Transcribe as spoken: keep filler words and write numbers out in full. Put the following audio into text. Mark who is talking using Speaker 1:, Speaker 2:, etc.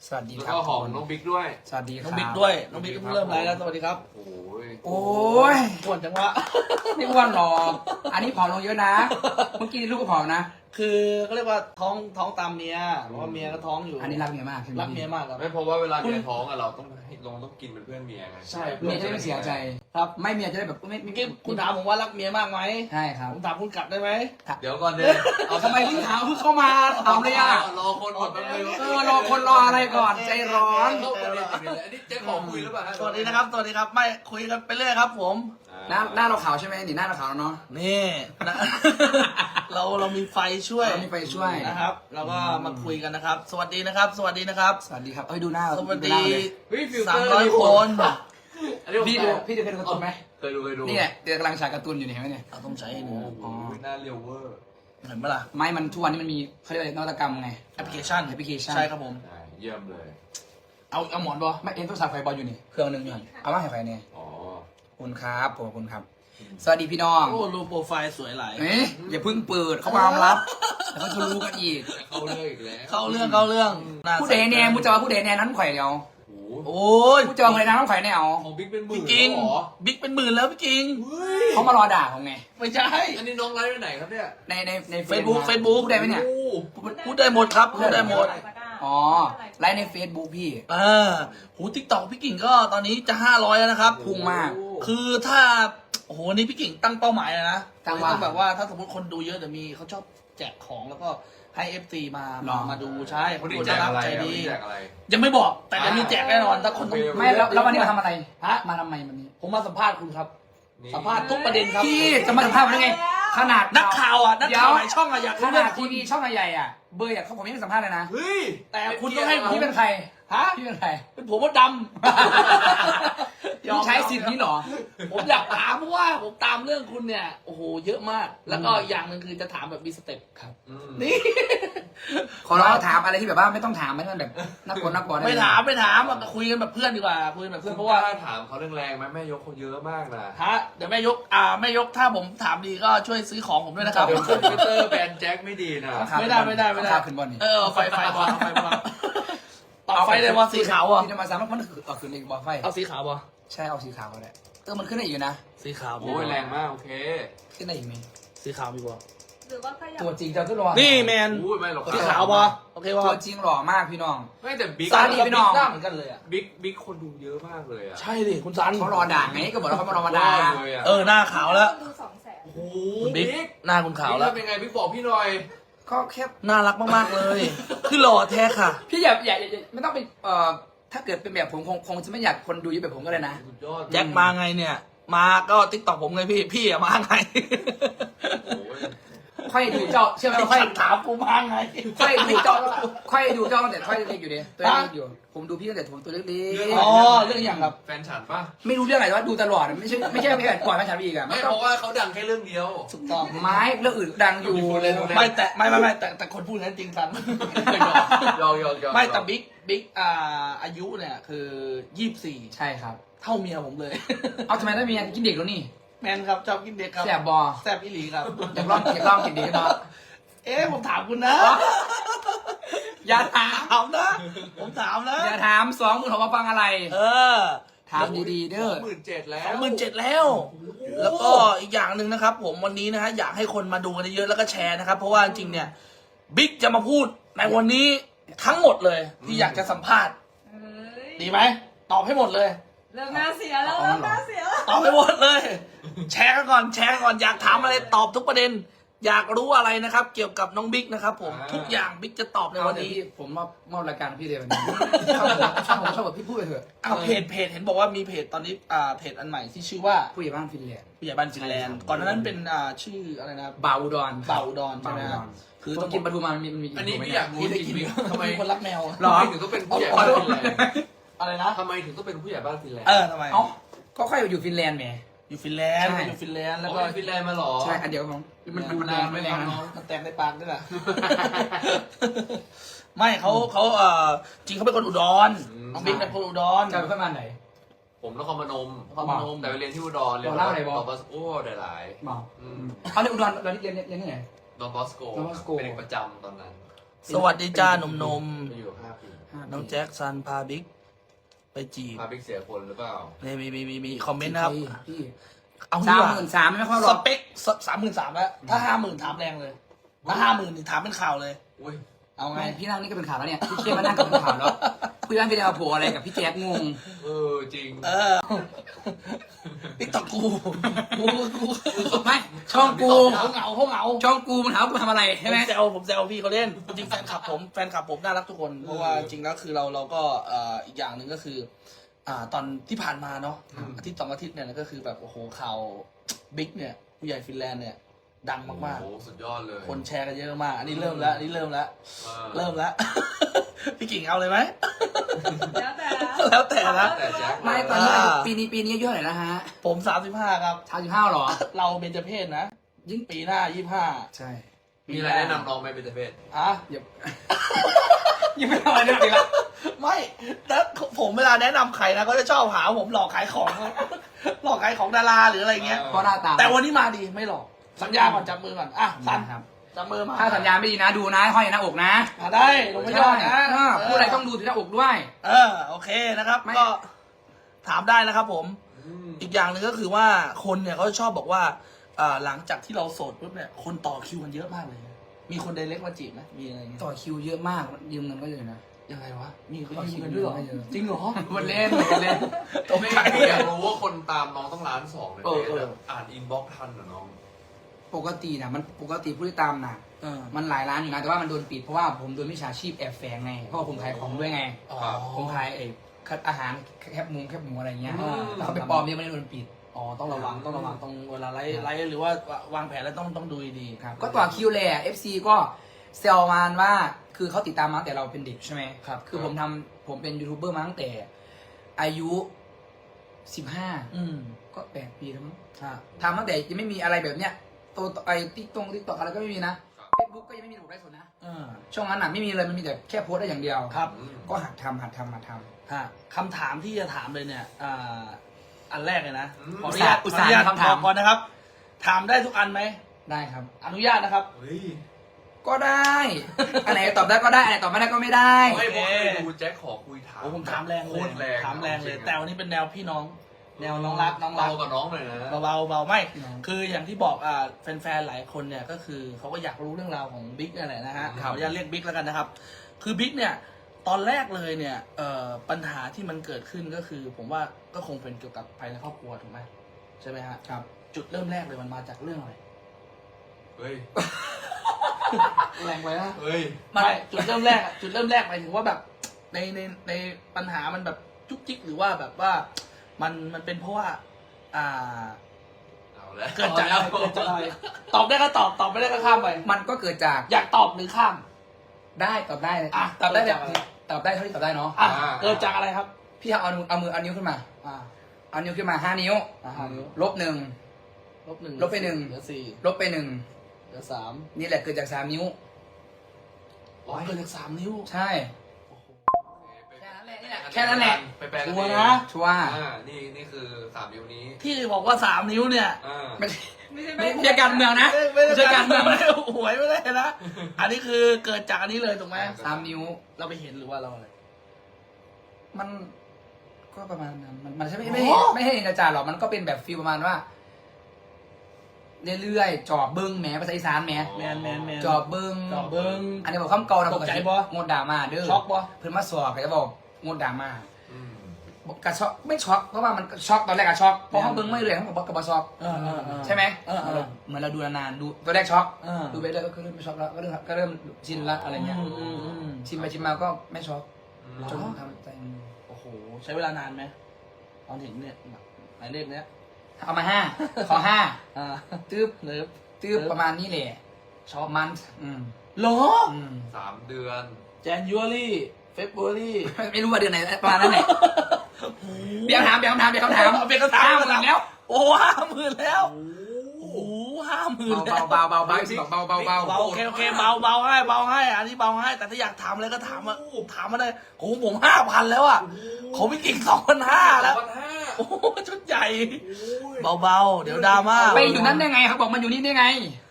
Speaker 1: สวัสดี
Speaker 2: แล้ว
Speaker 1: ครับ
Speaker 2: ก็ของน้องบิ๊กด้วย
Speaker 1: สวัสดีค
Speaker 3: น้
Speaker 1: รั
Speaker 3: อบ งบิ๊กด้วยน้องบิ๊กเริ่มไลฟ์แล้วสวัสดีครับ
Speaker 2: โอ้ย
Speaker 1: โอ้ย
Speaker 3: ปวดจังวะ
Speaker 1: ไม่อ้วนหรอกอันนี้ผอมลงเยอะนะ เมื่อกี้ลูกก็ผอมนะ
Speaker 3: คือเขาเรียกว่าท้องท้องตามเมียเพราะว่าเมียก็ท้องอยู่
Speaker 1: อันนี้รักเมียมากใช่ไหม
Speaker 3: รักเมียมากครับ
Speaker 2: ไม่เพราะว่าเวลาเมียท้องอะเราต้องให้ลงต้องกินเป็นเพื่อนเมียไง
Speaker 3: ใช่
Speaker 1: เมียจะได้ไม่เสียใจ
Speaker 3: ครับ
Speaker 1: ไม่เมียจะได้แบบไม่
Speaker 3: เมื่
Speaker 1: ไม่
Speaker 3: อกี้คุณถามผมว่ารักเมียมากไหม
Speaker 1: ใช่ครับ
Speaker 3: ผมถามคุณกลับได้ไหม
Speaker 2: เดี๋ยวก่อนเดี๋ยวเอา
Speaker 1: ทำไมเพิ่งถามเพิ่งเข้ามาถามเลยอ่ะ
Speaker 2: รอคนหมดแป๊บนึง
Speaker 1: เออรอคนรออะไรก่อนใจร้อน
Speaker 2: เข้าประเด็นอย่างนี้เลยอันนี้เจ๊ขอคุยหรือเปล่าฮะ
Speaker 3: สวัสดีนะครับสวัสดีครับไม่คุยกันไปเรื่อยครับ ผม
Speaker 1: หน้าหน้าเราขาวใช่ไหมนี่หน้าเราขาวแล้วเนาะ
Speaker 3: นี่นะ เราเรามีไฟช่วย
Speaker 1: เรามีไฟช่วย
Speaker 3: นะครับเราก็มาคุยกันนะครับ สวัสดีนะครับ สวัสดีนะครับ
Speaker 1: สวัสดีครับเอ้ยดูหน้า
Speaker 3: สวัส
Speaker 1: ดู
Speaker 3: ดี
Speaker 1: หน้าเลย
Speaker 2: เฮ้ยฟิล
Speaker 3: สา
Speaker 2: เตอ
Speaker 3: ม
Speaker 2: ร์
Speaker 3: ร้อยคน
Speaker 2: อันนี้ผม
Speaker 1: พี่ดู
Speaker 2: แปล
Speaker 1: พี่ดูเป็นการ์ตูนไหม
Speaker 2: เคยดูเคยดู
Speaker 1: นี่แหละเดี๋ยวกำลังฉายการ์ตูนอยู่นี่เห็นไหมเนี่ย
Speaker 3: เราต้องใช้ให้ดู
Speaker 2: โอ้โหหน้าเรียวเวอร์
Speaker 3: เห็นไหมล่ะ
Speaker 1: ไม่มันทุกวันนี้มันมีเขาเรียกอะไรนวัตกรรมไง
Speaker 3: แอปพลิเคชัน
Speaker 1: แอปพลิเคชัน
Speaker 3: ใช่ครับผม
Speaker 2: ใช่เยี่ยมเลย
Speaker 3: เอาเอาหมอนบอ
Speaker 1: ไม่เอ็นต้องสั่งไฟบอลอยู่นี่เครื่องหนึงอยู่เอามาให้ไฟเนี่ย
Speaker 2: อ๋อ
Speaker 1: ขอบคุณครับขอบคุณครับ สวัสดีพี่น้อง
Speaker 3: โอ้รูปโปรไฟล์สวยหลาย
Speaker 1: เอ๊ะอย่าเพิ่งเปิดเขาความลับแล้วเขาจะรู้กันอีก
Speaker 2: เข้าเรื่องอีกแล้ว
Speaker 3: เข้าเรื่องเข้าเรื่องน่า
Speaker 1: ผู้ใดแน่มูจะว่าผู้ใดแน่นั้นข่อยเดียว
Speaker 2: โอ้โห
Speaker 3: โอ้ย
Speaker 1: ผู้จะว่าผู้ใดแน่นั้นข่อยแน่เอา
Speaker 2: ของบิ๊กเป็นหมื่
Speaker 3: พี่
Speaker 2: น
Speaker 3: กิง
Speaker 2: เหรอ
Speaker 3: บิ๊กเป็นหมื่นแล้วพี่กิง
Speaker 2: เฮ้ย
Speaker 1: เขามารอด่าผมไง
Speaker 3: ไม่ใช่
Speaker 2: อันนี้น้องไลฟ์ไปไหนครับเนี่ย
Speaker 1: ในในใน
Speaker 3: Facebook
Speaker 1: ครับ
Speaker 3: Facebook
Speaker 1: ผู้ใดไหมเนี่ย
Speaker 2: โอ้
Speaker 3: พูดได้หมดครับพูดได้หมด
Speaker 1: อ๋อไลฟ์ใน Facebook พี่
Speaker 3: อ่าหูทิกตอกพี่กิ่งก็ตอนนี้จะห้าร้อยแล้วนะครับ
Speaker 1: พุ่งมาก
Speaker 3: คือถ้าโอ้โหวันนี้พี่กิ่งตั้งเป้าหมายเลยนะ
Speaker 1: ตั้งว่า
Speaker 3: ต้องแบบว่าถ้าสมมติคนดูเยอะเดี๋ยวมีเขาชอบแจกของแล้วก็ให้เอฟซีมา
Speaker 1: หรอ
Speaker 3: มาดูใช่
Speaker 2: คนนี้
Speaker 3: คน
Speaker 2: แจ
Speaker 3: น่าก รัก
Speaker 2: อะไร
Speaker 3: ใจ
Speaker 2: อ่ะ
Speaker 3: ดี
Speaker 2: คนนี้แจกอะไร
Speaker 3: ยังไม่บอกแต่จะมีแจกแน่นอนถ้าคนต้อง
Speaker 2: โอเค
Speaker 1: ไม่แล้วแล้ววันนี้มาทำอะไร
Speaker 3: ฮะ
Speaker 1: มาทำไมวันนี้
Speaker 3: ผมมาสัมภาษณ์คุณครับ
Speaker 2: นี่
Speaker 3: สัมภาษณ์ทุกประเด็นครับ
Speaker 1: พี่จะมาสัมภาษณ์ผมได้ไง ขนาด
Speaker 3: นักข่าวอ่ะนักข่าว
Speaker 1: เดี๋ยว
Speaker 3: หลายช่องอ่ะอยาก
Speaker 1: ข
Speaker 3: รู้
Speaker 1: นา
Speaker 3: เรื่อง
Speaker 1: ด
Speaker 3: คุ
Speaker 1: ที
Speaker 3: ณ
Speaker 1: วีช่องใหญ่ๆอ่ะเบอร์อยากเขาผมยังไม่สัมภาษณ์เลยนะ
Speaker 2: เฮ้ย
Speaker 3: แต่คุณต้องให้ผม
Speaker 1: พี่เป็นใคร
Speaker 3: ฮะ
Speaker 1: พี่เป็นใคร
Speaker 3: เป็นผมว่าดำ
Speaker 1: พี่ใช้สิทธิ์นี้เหรอ
Speaker 3: ผมอยากถามเพราะว่าผมตามเรื่องคุณเนี่ยโอ้โหเยอะมาก แล้วก็อย่างหนึ่งคือจะถามแบบมีสเต็ปครับ
Speaker 2: อืม
Speaker 3: นี่
Speaker 1: ขอร้องถามอะไรที่แบบว่าไม่ต้องถามไม่ต้องแบบนักบอลนักบอล
Speaker 3: ไม่ถามไม่ถามมาคุยกันแบบเพื่อนดีกว่าคุยกันแบบ
Speaker 2: เพื่
Speaker 3: เพื่
Speaker 2: อ
Speaker 3: อน นเพราะว่า
Speaker 2: ถามเขาแรงๆไหมแม่ยกเขาเยอะมากนะ
Speaker 3: ฮะเดี๋ยวแม่ยกอ่าแม่ยกถ้าผมถามดีก็ช่วยซื้อของผมด้วยนะครับ
Speaker 2: เดี๋ยวคอมพิวเตอร์แบนแจ็คไม่ดีนะ
Speaker 3: ไม่ได้ไม่ได้ไม่ได้
Speaker 1: ข้าวขึ้นบอลนี่
Speaker 3: เออไฟไฟบอลเอาไฟบอลต่อไฟเลยว่าสีขาวอ่ะ
Speaker 1: พี่จะมาซ้ำมันคือเอาขึ้นอีกบอลไฟ
Speaker 3: เอาสีขาวบอ
Speaker 1: ใช่เอาสีขาวแหละเออมันขึ้นได้อยู่นะ
Speaker 3: สีขาว
Speaker 2: โอ้ยแรงมากโอเค
Speaker 1: ขึ้นได้อีกไหม
Speaker 3: สีขาวมีบอ
Speaker 4: หรือว่าขยับ
Speaker 1: ตัวจริงจะขึ้นรอ
Speaker 3: นี่แมน
Speaker 2: อุ้ยไม่หรอก
Speaker 3: สีขาวบอโอเค
Speaker 1: ตั
Speaker 3: ว่ะ
Speaker 1: วจริงหล่อมากพี่น้อง
Speaker 2: ไม่แต่บิ๊ก
Speaker 1: สวัสดีพี่น้อง
Speaker 3: หน้าเหมือนกันเลยอ่ะ
Speaker 2: บิ๊กบิ๊กคนดูเยอะมากเลยอ่ะ
Speaker 3: ใช่ดิคุณซัน
Speaker 1: เขารอด่าไงก็บอกแล้วเขามารอมาด่า
Speaker 2: เลยอ่ะ
Speaker 3: เออหน้าขาวแล้ว
Speaker 4: ดูสองแสน
Speaker 2: โอ้โห
Speaker 3: คุณบิ๊
Speaker 2: บิ๊
Speaker 3: ก
Speaker 2: ก
Speaker 3: หน้าคุณขาวแล้ว
Speaker 2: บิ๊กเป็นไงบิ๊กบอกพี่หน่อย
Speaker 1: ก็แค่
Speaker 3: น่ารักมากๆเลย คือหล่อแท้ค่ะ
Speaker 1: พี่อย่าอย่าอย่าไม่ต้องไปเอ่อถ้าเกิดเป็นแบบผมคงคงจะไม่อยากคนดูเยอะแบบผมก็เลยนะ
Speaker 2: สุดยอด
Speaker 3: แจ็คมาไงเนี่ย มาก็ติ๊กต็อกผมไงพี่ พี่อะมาไง
Speaker 2: โอ้ย
Speaker 1: ค่อยดูเจ้าเชื่อไหมว่าค่อย
Speaker 3: ถามกูมาไง
Speaker 1: ค่อยดูเจ้าค่อยดูเจ้าตั้งแต่ค่อยเล็กๆอยู่ดิตัวเล็กๆอยู่ ผมดูพี่ตั้งแต่ผมตัวเล็ก
Speaker 3: อ๋อเรื่องอย่างครับ
Speaker 2: แฟนฉันป่ะ
Speaker 1: ๆไม่รู้เรื่องอะไรแต่ว่าดูตลอดไม่ใช่ไม่ใช่ไม่ใช่ก่อนแม่ฉันอีกอะ
Speaker 2: ไม่
Speaker 1: ไม่
Speaker 2: เพ
Speaker 1: ต้อง
Speaker 2: ราะว่าเขาดังแค่เรื่องเดียว
Speaker 3: ถูกต้อง
Speaker 1: ไม้เรื่องอื่นดังอยู่
Speaker 2: มีคนเล่นด้วย
Speaker 3: ไม่แต่ไม่ไม่ไม่แต่แต่คนพูดนั้นจริงจัง
Speaker 2: ยอกยอกยอก
Speaker 3: ไม่แต่บิ๊กบิ๊กอ่าอายุเนี่ยคือยี่สิบสี่
Speaker 1: ใช่ครับ
Speaker 3: เท่าเมียผมเลย
Speaker 1: เอาทำไมต้องมีกินเด็กแล้วนี่
Speaker 3: แมนครับชอบกินเด็กครับ
Speaker 1: แสบบอ
Speaker 3: แซบอีหลีครับ
Speaker 1: อยากลองอยากลองกินเด็กเนาะ
Speaker 3: เอ๊ะผมถามคุณนะ
Speaker 1: อย่าถาม
Speaker 3: ถามนะ ผมถามนะ
Speaker 1: อย่าถามสองหมื่นของมาฟังอะไร
Speaker 3: เออ
Speaker 1: ถามดีๆเด้อ
Speaker 2: หมื่นเจ็ดแล้ว
Speaker 3: สองหมื่นเจ็ดแล้ว แล้วก็อีกอย่างหนึ่งนะครับ ผมวันนี้นะฮะอยากให้คนมาดูกันเยอะๆแล้วก็แชร์นะครับ เพราะว่าจริงๆเนี่ยบิ๊กจะมาพูดในวันนี้ทั้งหมดเลย ที่อยากจะสัมภาษณ์
Speaker 4: เอ้ย
Speaker 3: ดีไหมตอบให้หมดเลย
Speaker 4: เริ่มหน้าเสียแล้วเริ่มหน้าเสียแล้ว
Speaker 3: ตอบให้หมดเลย แชร์กันก่อนแชร์กันก่อนอยากถามอะไรตอบทุกประเด็น อยากรู้อะไรนะครับ เกี่ยวกับน้องบิ๊กนะครับผมทุกอย่างบิ๊กจะตอบใน
Speaker 1: ใน
Speaker 3: วั
Speaker 1: วัน น
Speaker 3: นี้
Speaker 1: นี้ผมมอบมอบรายการพี่เลยวันนี้ชอบผมชอบผมชอบแบบพี่พูดไปเถอะ
Speaker 3: เอาเพจเพจเห็นบอกว่ามีเพจตอนนี้อ่าเพจอันใหม่ที่ชื่อว่า
Speaker 1: ผู้ใหญ่บ้านฟินแลนด์
Speaker 3: ผู้ใหญ่บ้านฟินแลนด์ก่อนหน้านั้นเป็นอ่าชื่ออะไรนะ
Speaker 1: บาวอุดร
Speaker 3: เบาอุดรใช่ไหม
Speaker 1: บาว
Speaker 3: ครับ
Speaker 1: อุดร
Speaker 3: คือ
Speaker 1: ต้
Speaker 3: ต้
Speaker 1: อ
Speaker 3: อง ง
Speaker 1: กิ
Speaker 3: กิ
Speaker 1: น
Speaker 3: น
Speaker 1: ปลาทูมามันมีมันมี
Speaker 2: อันนี้พี่อยากรู้
Speaker 3: พี่
Speaker 2: จ
Speaker 3: ได้
Speaker 2: ริ
Speaker 3: กิน
Speaker 2: งๆทำไม
Speaker 3: มีคนรักแมว
Speaker 1: หรอ
Speaker 2: ทำไมถึงต้องเป็นผู้ใหญ่บ้านฟินแลนด์
Speaker 3: อะไรนะ
Speaker 2: ทำไมถึงต้องเป็นผู้ใหญ่บ้านฟินแลนด์
Speaker 3: เออทำไม
Speaker 1: เอ้าก็ค่อยอยู่ฟินแลนด์แหม
Speaker 3: อยู่ฟินแลนด์
Speaker 1: ใช่
Speaker 3: อยู่ฟินแลนด์
Speaker 2: แล้
Speaker 3: แล้ว ว
Speaker 2: ก็
Speaker 3: ก็
Speaker 2: ฟินแลนด์มาหรอ
Speaker 1: ใช่อันเดียวของมันมันมันนานไม่แรงนะ
Speaker 3: มันแตกในปากด้วยล่ะ ไม่เขาเขาเอ่อจริงเขาเป็นคนอุดรน้องบิ๊กเป็นคนอุดร
Speaker 1: จะไปค่อยมาไหน
Speaker 2: ผมนครพนม
Speaker 3: นครพนม
Speaker 2: แต่ไปเรียนที่อุดรเรียน
Speaker 1: บอกเล่าหน่อยบอก
Speaker 2: ดอนบอสโอ้ได้หลาย
Speaker 1: บอก
Speaker 2: อืม
Speaker 1: เขาเรียนอุดรเรียนเรียนเรียนที่ไหน
Speaker 2: ดอนบอสโก
Speaker 1: ดอนบอสโก
Speaker 2: เป็นเด็กประจำตอนนั้น
Speaker 3: สวัสดีจ้าหนุ่ม
Speaker 2: ไปอยู่ห้าปี
Speaker 3: ๆน้องแจ็คซันพาบิ๊กไปจีบ
Speaker 2: พาบิ๊กเสียคนหรือเปล่า
Speaker 3: นี่มีมีมีมีคอมเมนต์นะครับ
Speaker 1: พี่
Speaker 3: เอา
Speaker 1: สาม
Speaker 3: ว่า
Speaker 1: หมื่นสามไม่ค่อยหร
Speaker 3: ส
Speaker 1: อก
Speaker 3: เปคสามหมื่นสามแล้ว ถ้าห้าหมื่นถามแรงเลย ถ้าห้าหมื่นนี่ถามเป็นข่าวเลย
Speaker 2: อุ้ย
Speaker 3: เอาไง
Speaker 1: ไม่พี่นั่งนี่ก็เป็นข่าวแล้วเนี่ยพี่เทียบมานั่งก็เป็นข่าวแล้วคุยกันพี่ได้มาโผล่อะไรกับพี่แจ๊คงง
Speaker 2: เออจริง
Speaker 3: เออติ๊กต็อกกูกูกู
Speaker 1: ไม่ช่องกู
Speaker 3: เขาเหงาเขาเหงา
Speaker 1: ช่องกูมันหากูทำอะไร
Speaker 3: ใช่
Speaker 1: ใช่
Speaker 3: ไห
Speaker 1: ไห
Speaker 3: ม
Speaker 1: ม
Speaker 3: แซวผมแซวพี่เขาเล่นจริงๆแฟนคลับผมแฟนคลับผมน่ารักทุกคนเพราะว่าจริงแล้วคือเราเราก็เอ่ออีกอย่างหนึ่งก็คือ อ่าตอนที่ผ่านมาเนาะอาทิตย์สองอาทิตย์เนี่ยก็คือแบบโอ้โหข่าวบิ๊กเนี่ยผู้ใหญ่ฟินแลนด์เนี่ยดังมาก
Speaker 2: โอ้โหสุดยอดเลย
Speaker 3: ๆ คนแชร์กันเยอะมากอันนี้เริ่มแล้วอันนี้เริ่มแล้ว
Speaker 2: ออ
Speaker 3: เริ่มแล้ว พี่กิ่งเอาเลยไหม
Speaker 4: แล้วแต่ละ
Speaker 3: แล้วแต่นะ
Speaker 2: แต่แจ็ค
Speaker 1: ไม่ตอนนี้
Speaker 3: อ่า
Speaker 1: ปีนี้ปีนี้อายุเท่าไหร่แล้วฮะ
Speaker 3: ผมสามสิบห้าครับ
Speaker 1: สามสิบห้าหรอ
Speaker 3: เราเบญจเพศนะ ยิ่งปีหน้ายี่ห้า
Speaker 1: ใช่
Speaker 2: มีอะไรแนะนำน้องไหมเป็นเพศ
Speaker 3: อ่ะ
Speaker 1: อย่า ยังไม่ทำอะไรเลยอีกแล้ว
Speaker 3: ไม่แล้วผมเวลาแนะนำใครนะก็จะชอบหาผมหลอกขายของ หลอกขายของดาราหรืออะไรเงี้ย
Speaker 1: เพราะหน้าตา
Speaker 3: แต่วันนี้มาดีไม่หลอกสัญญาก่อนจับมือก่อนอ่ะสัน
Speaker 1: ครับ
Speaker 3: จับมือมา
Speaker 1: ถ้าสัญญาณไม่ดีนะดูนะห้อยหน้าอกนะ
Speaker 3: อ่ะได้ลงไม่ยอดนะ
Speaker 1: เออพูดอะไรต้องดูที่หน้าอกด้วย
Speaker 3: เออโอเคนะครับ
Speaker 1: ไม่
Speaker 3: ก็ถามได้นะครับผม
Speaker 2: อืม
Speaker 3: อีกอย่างหนึ่งก็คือว่าคนเนี่ยเขาชอบบอกว่าอ่าหลังจากที่เราโสดปุ๊บเนี่ยคนต่อคิวกันเยอะมากเลย มีคนไดเรกมาจีบไหมมีอะไรเงี้ย
Speaker 1: ต่อคิวเยอะมากยืมเงินก็เยอะนะ
Speaker 3: ยังไงวะมีเขา
Speaker 1: ต่อ
Speaker 3: ยื
Speaker 1: คิ
Speaker 3: ม
Speaker 1: ว
Speaker 3: เงินด้วยเหรอ
Speaker 1: เยอะ
Speaker 3: จริงเหรอ
Speaker 1: วันเล่นวันเล่น
Speaker 3: ตก
Speaker 2: ไม่
Speaker 3: ใจ
Speaker 2: อยากรู้ว่าคนตามน้องต้องล้านสองเลย
Speaker 3: เออเออ
Speaker 2: อ่านอินบ็อกซ์ทันเหรอน้อง
Speaker 1: ปกตินะมันปกติผู้ที่ตามนะ
Speaker 3: เออ
Speaker 1: มันหลายร้านอยู่นะแต่ว่ามันโดนปิดเพราะว่าผมโดนมิจฉาชีพแอบแฝงไงเพราะว่าผมขายของด้วยไง
Speaker 3: อ๋อ
Speaker 1: ผมขายไอ้อาหารแคบหมูแคบหมูอะไรเงี้ย
Speaker 3: อืม
Speaker 1: แล้วเขาไปปลอมเนี่ยไม่ได้โดนปิด
Speaker 3: อ๋อต้องระวังต้องระวังต้องเวลาไลฟ์ไลฟ์หรือว่าวางแผนแล้วต้องต้องดูดีๆ
Speaker 1: ครับก็ต่อคิวแหละ เอฟ ซี ก็เซลมานว่าคือเขาติดตามมาตั้งแต่เราเป็นเด็กใช่ไหม
Speaker 3: ครับ
Speaker 1: คือผมทำผมเป็นยูทูบเบอร์มาตั้งแต่อายุสิบห้า
Speaker 3: อืม
Speaker 1: ก็แปดปีแล้วมั้ง
Speaker 3: ค่ะ
Speaker 1: ทำตั้งแต่ยังไม่มีอะไรแบบเนี้ยตัวไอ้ติ๊กตงติ๊กตอกอะไรก็ไม่มีนะเฟซบุ๊กก็ยังไม่มีระบบไลฟ์สดนะ
Speaker 3: เออ
Speaker 1: ช่วงนั้นน่ะไม่มีเลยมันมีแต่แค่โพสต์ได้อย่างเดียว
Speaker 3: ครับ
Speaker 2: อืม
Speaker 1: ก็หัดทำหัดทำหัดท
Speaker 3: ฮะคำถามที่จะถามเลยเนี่ยอ่าอันแรกเลยนะ
Speaker 2: อืม
Speaker 3: ขออนุญาต
Speaker 1: อุต
Speaker 3: ขอ
Speaker 1: ส่า
Speaker 3: อ
Speaker 1: ห์
Speaker 3: นุญาต
Speaker 1: คำถาม
Speaker 3: บอกก่อนนะครับ ถามได้ทุกอันไหม
Speaker 1: ำได้ครับ
Speaker 3: อนุญาตนะครับ
Speaker 2: เฮ้ย
Speaker 1: ก็ได้ อันไหนตอบได้ก็ได้อันไหนตอบไม่ได้ก็ไม่ได้
Speaker 2: ไม่เพราะเคยดูแจ็คขอคุยถาม
Speaker 3: โอ้ผมถามแรง
Speaker 2: โค
Speaker 3: เลย
Speaker 2: ตรแรง
Speaker 3: ถามแรงเลย
Speaker 2: จๆ
Speaker 3: แต่วันนี้เป็นแนวพี่น้อง แนวน้องรักน้องรัก
Speaker 2: เบากับน้องหน่อยนะ
Speaker 3: เบาๆเบาไม่
Speaker 1: น้อง
Speaker 3: คืออย่างที่บอกอ่าแฟนๆ หลายคนเนี่ยก็คือเขาก็อยากรู้เรื่องราวของบิ๊กนั่นแหละนะฮะ
Speaker 2: อืม
Speaker 3: ขออนุญาตเรียกบิ๊กแล้วกันนะครับ คือบิ๊กเนี่ย ตอนแรกเลยเนี่ยเอ่อปัญหาที่มันเกิดขึ้นก็คือ ผมว่าก็คงเป็นเกี่ยวกับภายในครอบครัวถูกไหมใช่ไหมฮะ
Speaker 1: ครับ
Speaker 3: จุดเริ่มแรกเลยมันมาจากเรื่องอะไร
Speaker 2: เฮ้ย
Speaker 1: แรงไปนะ
Speaker 2: เฮ้ย
Speaker 3: ไม่จุดเริ่มแรกอะจุดเริ่มแรกหมายถึงว่าแบบในในในปัญหามันแบบจุกจิกหรือว่าแบบว่ามันมันเป็นเพราะว่า อ่า
Speaker 2: เอาแล้ว
Speaker 3: เกิดจากอะไรเกิดจากอะไรตอบได้ก็ตอบตอบไม่ได้ก็ข้ามไป
Speaker 1: มันก็เกิดจาก
Speaker 3: อยากตอบหรือข้าม
Speaker 1: ได้ตอบได้
Speaker 3: อ่ะ
Speaker 1: ตอบได้แบบ
Speaker 3: เกิดจากอะไร
Speaker 1: ตอบได้เท่าที่ตอบได้เนาะ
Speaker 3: อ่ะเกิดจากอะไรครับ
Speaker 1: พี่เอาเอาเอามือเอานิ้วขึ้นมา
Speaker 3: อ่า
Speaker 1: เอานิ้วขึ้นมาห้านิ้ว
Speaker 3: อ่าห้านิ้ว
Speaker 1: ลบหนึ่ง
Speaker 3: ลบหนึ่ง
Speaker 1: ลบไปหนึ่ง
Speaker 3: เหลือสี่
Speaker 1: ลบไปหนึ่ง
Speaker 3: เหลือสาม
Speaker 1: นี่แหละเกิดจากสามนิ้ว
Speaker 3: อ๋อเกิดจากสามนิ้ว
Speaker 1: ใช่
Speaker 3: โอ้โห
Speaker 1: แค่นั้นแหละนี่แหละแค่นั้นแหละ
Speaker 2: ไปแปลกัน
Speaker 3: ชัวร์
Speaker 2: เอง
Speaker 3: นะ
Speaker 1: ชัวร์
Speaker 2: อ่านี่นี่คือสามนิ้วนี้
Speaker 3: ที่บอกว่าสามนิ้วเนี่ย
Speaker 2: อ่า
Speaker 1: ไม่ใช่
Speaker 4: ไม่ใช่
Speaker 1: ไม่ใช่การเมืองนะ
Speaker 3: ไม่ไม่ใช่
Speaker 1: ไม่ใช่
Speaker 3: กา
Speaker 1: การ ร
Speaker 3: เมื
Speaker 1: เมื
Speaker 3: อ
Speaker 1: อง ง
Speaker 3: ไม่
Speaker 1: นะ
Speaker 3: ได้หวยไม่ได้นะอันนี้คือเกิดจากอันนี้เลยถูกไหม
Speaker 1: สามนิ้ว
Speaker 3: เราไปเห็นหรือว่าเราอะไร
Speaker 1: มันก็ประมาณนั้นมันมันไม่ไม่ไม่ไม่ให้เห็นอาจารย์หรอกมันก็เป็นแบบฟีลประมาณว่า เรื่อยๆจอบเบิ้งแหมภาษาอีสานแหม
Speaker 3: แมนแมนแมน
Speaker 1: จอบเบิ้ง
Speaker 3: จอบเบิ่ง
Speaker 1: อันนี้บอกคำเก่านะ
Speaker 3: ตกใจบ่
Speaker 1: งดด่ามาเด้อ
Speaker 3: ช็อกปะ
Speaker 1: เพิ่นมาสอบก็จะบอกงดด่ามา
Speaker 2: อืม
Speaker 1: บอกกระช็อกไม่ช็อกเพราะว่ามันช็อกตอนแรกอะช็อกเพราะเขาเบิ้งไม่เรื่อยเขาบอกกับบอช็อก
Speaker 3: เออเออเออ
Speaker 1: ใช่ไหม
Speaker 3: เออเออ
Speaker 1: เหมือนเราดูนานๆดูตัวแรกช็อก
Speaker 3: เออ
Speaker 1: ดูไปเรื่อยก็เริ่มไม่ช็อกแล้วก็เริ่มก็เริ่มชินละอะไรเงี้ย
Speaker 3: อืมอืมอืม
Speaker 1: ชินไปชินมาก็ไม่ช็อก
Speaker 2: อืม
Speaker 1: จนทำใจ
Speaker 3: โอ้โห ใช้เวลานานไหมตอนเห็นเนี่ยหมายเลขเนี้ย
Speaker 1: เอามาห้าขอห้า
Speaker 3: อ่า
Speaker 1: ตึ๊บ
Speaker 3: เนิร์ฟ
Speaker 1: ตึ๊บประมาณนี้แหละ
Speaker 3: ช็อป
Speaker 1: มันอืม
Speaker 3: เหรอ
Speaker 1: อืม
Speaker 2: สามเดือน
Speaker 3: แจนยูรี่เฟบรุรี่
Speaker 1: ไม่รู้ว่าเดือนไหนประมาณนั้นแหละเบียร์คำถามเบียร์คำถามเบียร์คำถาม
Speaker 3: เอาเป็นคำถาม
Speaker 1: ห้าหมื่นแล้ว
Speaker 3: โอ้ห้าหมื่นแล้วโอ้โหห้าหมื่น
Speaker 1: เบาเบาเบาเบาสิบอกเบาเบาเบา
Speaker 3: เบาโอเคโอเคเบาเบาให้เบาให้อันนี้เบาให้แต่ถ้าอยากถามอะไรก็ถามมาถามมาได้โอ้โหผมห้าพันแล้วอ่ะเขาไม่กิ่งสองพันห้าแล้ว
Speaker 2: วันห้า
Speaker 3: โอ้โหชุดใหญ่ เบาๆ เดี๋ยวดราม่า
Speaker 1: ไปอยู่นั้นได้ไงเขาบอกมันอยู่นี่ได้ไง